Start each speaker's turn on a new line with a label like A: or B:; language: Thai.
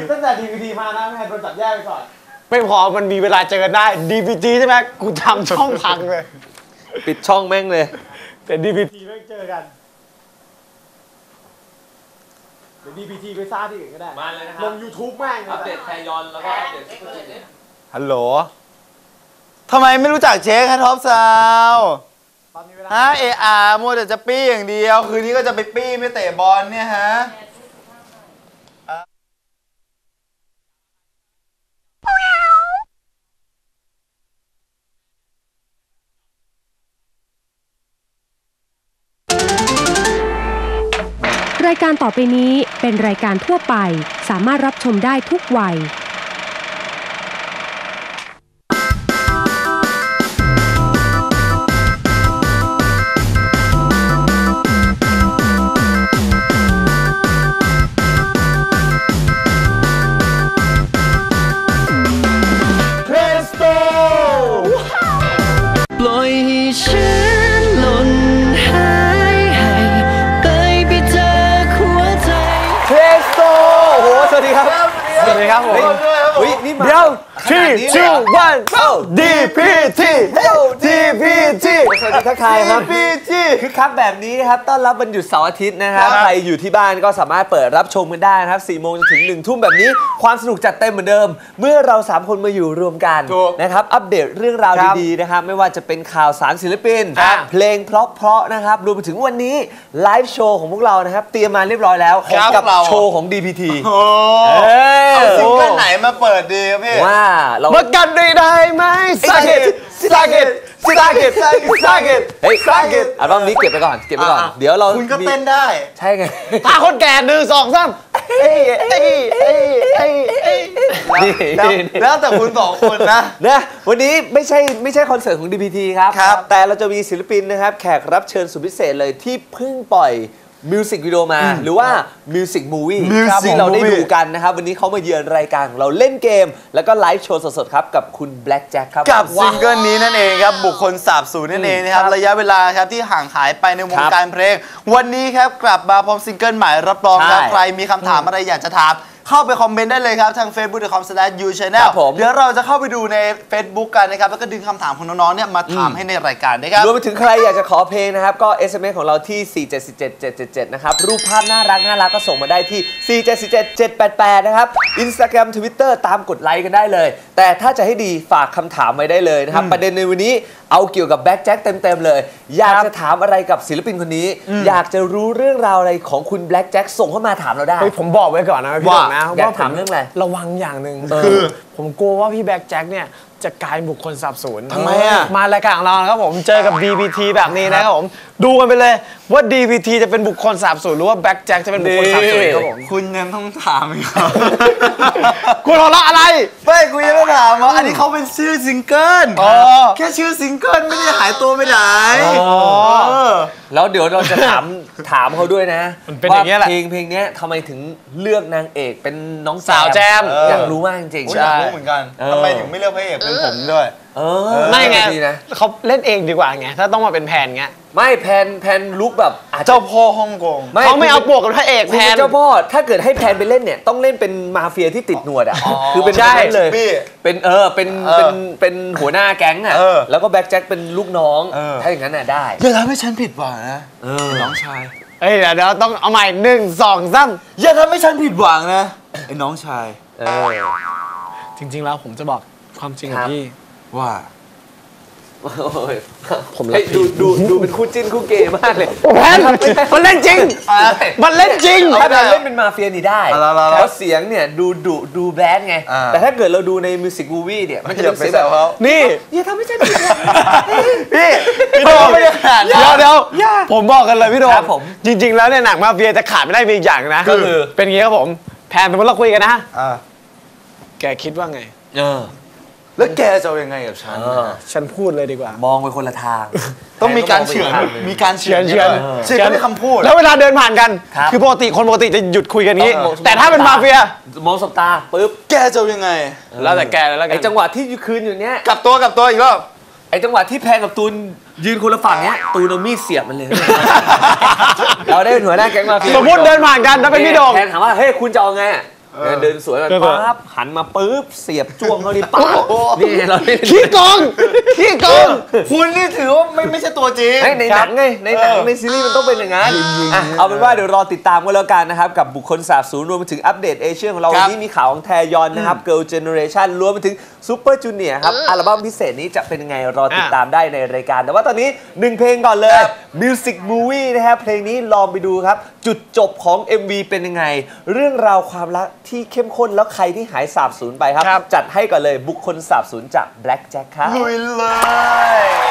A: ตั้งแต่ DVD มานะแม่โดนจับแยกไปก่อนไม่พอมันมีเวลาเจอกันได้ DVD ใช่ไหมกูทำช่องพังเลย
B: ปิดช่องแม่งเลย
A: แต่ DVD แม่งเจอกันเดี๋ยว DVD ไปซ่าที่อื่นก็ได้
B: มาเลยนะครับ
A: ลง YouTube แม่ง
B: อัปเดตแทยอนแล้วก็อัปเดต
C: ฮัลโหลทำไมไม่รู้จักเช็คท็อปซาวฮะมัวแต่จะปี้อย่างเดียวคืนนี้ก็จะไปปี้ไม่เตะบอลเนี่ยฮะ
D: รายการต่อไปนี้เป็นรายการทั่วไปสามารถรับชมได้ทุกวัย
E: ปล่อยให้ฉันหล่นหายให้ไปเจอหัวใจ
B: เพลสโตโอ้โหสวัสดีครับ
A: สวัสดีครับผม
B: เฮ้ยนี่มา
A: เดี๋ยว3 2 1 DPT DPT
B: สวัสดีทักทายครับคือคักแบบนี้นะครับต้อนรับวันหยุดเสาร์อาทิตย์นะครับใครอยู่ที่บ้านก็สามารถเปิดรับชมกันได้นะครับ4 โมงถึง1 ทุ่มแบบนี้ความสนุกจัดเต็มเหมือนเดิมเมื่อเรา3 คนมาอยู่รวมกันนะครับอัปเดตเรื่องราวดีๆนะครับไม่ว่าจะเป็นข่าวสารศิลปินเพลงเพราะๆนะครับรวมไปถึงวันนี้ไลฟ์โชว์ของพวกเรานะครับเตรียมมาเรียบร้อยแล้วกับโชว์ของ DPT
C: เอาซิงเกิลไหนมาเปิดดีครับพี่
B: ว่าเรา
A: มากันได้ไหมสาเกต
B: เฮ้ยอัลบั้มนี้เก็บไปก่อนเดี๋ยวเรา
C: คุณก็เต้นได้
B: ใช่ไง
A: พาคนแก่1 2 3
C: แล้วแต่คุณ2 คนนะ
B: วันนี้ไม่ใช่คอนเสิร์ตของ DPT ครับแต่เราจะมีศิลปินนะครับแขกรับเชิญสุดพิเศษเลยที่เพิ่งปล่อยมิวสิกวิดีโอมาหรือว่ามิวสิกมูวี่ที่เราได้ดูกันนะครับวันนี้เขามาเยือนรายการของเราเล่นเกมแล้วก็ไลฟ์โชว์สดๆครับกับคุณแบล็คแจ็คครับ
C: กับซิงเกิลนี้นั่นเองครับบุคคลสาบสูญนั่นเองนะครับระยะเวลาครับที่ห่างหายไปในวงการเพลงวันนี้ครับกลับมาพร้อมซิงเกิลใหม่รับรองครับใครมีคำถามอะไรอยากจะถามเข้าไปคอมเมนต์ได้เลยครับทาง facebook.com/youchannel เดี๋ยวเราจะเข้าไปดูใน Facebook กันนะครับแล้วก็ดึงคำถามของน้องๆเนี่ยมาถามให้ในรายการนะครับ
B: รวมไปถึงใครอยากจะขอเพลงนะครับก็ SMS ของเราที่4747777นะครับรูปภาพน่ารักก็ส่งมาได้ที่4747788นะครับ Instagram Twitter ตามกดไลค์กันได้เลยแต่ถ้าจะให้ดีฝากคำถามไว้ได้เลยนะครับประเด็นในวันนี้เอาเกี่ยวกับแบ็คแจ็คเต็มๆเลยอยากจะถามอะไรกับศิลปินคนนี้อยากจะรู้เรื่องราวอะไรของคุณแบล็คแจ็คส่งเข้ามาถามเราได้
A: ผมบอกไว้ก่อนนะพี่ดอกนะ
B: อยากถามเรื่องอะไร
A: ระวังอย่างหนึ่งคือผมกลัวว่าพี่แบ็คแจ็คเนี่ยจะกลายบุคคลสาบสูญ
C: ทำไมอ่ะ
A: มารายการของเราครับผมเจอกับ DPT แบบนี้นะครับผมดูกันไปเลยว่า DPT จะเป็นบุคคลสาบสูญหรือว่าแบ็คแจ็คจะเป็นบุคคลสาบสูญครับผม
C: คุณยังต้องถามอีกครับ
A: คุณหัวเราะอะไร
C: ไม่คุณยังต้องถามว่าอันนี้เขาเป็นชื่อซิงเกิลแค่ชื่อซิงเกิลไม่ได้หายตัวไปไหน
B: แล้วเดี๋ยวเราจะถามเขาด้วยนะ
A: ว่า
B: เพลงนี้ทำไมถึงเลือกนางเอกเป็นน้อง
A: สาวแจม
B: อยากรู้มากจริง
C: ๆอยากรู้เหมือนกันทำไมถึงไม่เลือกพระเอกเป็นผมด้วย
A: ไม่ไงเขาเล่นเองดีกว่าไงถ้าต้องมาเป็นแพนไง
B: ไม่แพนลุกแบบ
C: เจ้าพ่อฮ่องกง
A: เขาไม่เอาปวกกับพระเอกแพน
B: เจ้าพ่อถ้าเกิดให้แพนไปเล่นเนี่ยต้องเล่นเป็นมาเฟียที่ติดหนวดอ่ะคือเป็น
A: ใช่
B: เลยเป็นหัวหน้าแก๊งอ่ะแล้วก็แบ็คแจ็คเป็นลูกน้องถ้าอย่างนั้นน่ะได้
C: อย่าทำให้ฉันผิดหวังนะน้องชาย
A: เดี๋ยวต้องเอาใหม่1 2 3
C: อย่าทำให้ฉันผิดหวังนะไอ้น้องชาย
A: จริงๆแล้วผมจะบอกความจริงกับพี่
C: ว่า
B: ผมดูเป็นคู่จิ้นคู่เกย์มากเลย
A: แพนมันเล่นจริงมันเล่นจริง
B: ถ้าเล่นเป็นมาเฟียนี่ได้แล้วเสียงเนี่ยดูแบดไงแต่ถ้าเกิดเราดูในมิวสิกมูวี่เนี่ยมันจะเป็นเสียงแบบ
A: นี่
B: อย่าทำให้ฉันผิด
C: พี่โดมไม่ได้ขนาด
A: เดี๋ยวผมบอกกันเลยพี่โดมจริงๆแล้วเนี่ยหนังมาเฟียจะขาดไม่ได้มีอีกอย่างนะก็คือเป็นอย่างนี้ครับผมแพนสมมติเราคุยกันนะแกคิดว่าไง
C: แล้วแกจะยังไงกับ
A: ฉันพูดเลยดีกว่าม
B: องไปคนละทาง
C: ต้องมีการเฉือนเฉือนไม่คำพูด
A: แล้วเวลาเดินผ่านกันคือคนปกติจะหยุดคุยกันนี้แต่ถ้าเป็นมาเฟีย
B: มองสบตาปุ๊บ
C: แกจะยังไง
A: แล้วแต่แกแล้วกัน
B: ไอจังหวะที่คืนอยู่เนี้ย
C: กลับตัวอีกรอบ
B: ไอจังหวะที่แพงกับตูนยืนคนละฝั่งเนี้ยตูนเอามีดเสียบมันเลยเราได้เป็นหัวหน้าแก๊งมาเฟีย
A: สมมติเดินผ่านกันถ้าเป็นพี่โด่ง
B: แทนถามว่าเฮ้ยคุณจะเอาไงเดินสวนแบบปั๊บหันมาปุ๊บเสียบจ้วงเขาดิปั๊บนี่เรา
A: ขี้โกงขี้โกง
C: คุณนี่ถือว่าไม่ใช่ตัวจริง
B: ในหนังไงในหนังในซีรีส์มันต้องเป็นอย่างนั้นเอาเป็นว่าเดี๋ยวรอติดตามกันแล้วกันนะครับกับบุคคลสาบสูญรวมไปถึงอัปเดตเอเชียของเราวันนี้มีข่าวของแทยอนนะครับ Girl Generation รวมไปถึงซูเปอร์จูเนียร์ครับอัลบั้มพิเศษนี้จะเป็นยังไงรอติดตามได้ในรายการแต่ว่าตอนนี้1เพลงก่อนเลย Music Movie นะครับเพลงนี้ลองไปดูครับจุดจบของ MV เป็นยังไงเรื่องราวความรักที่เข้มข้นแล้วใครที่หายสาบสูญไปครับจัดให้ก่อนเลยบุคคลสาบสูญจาก Black Jack ครับ
C: ลุยเลย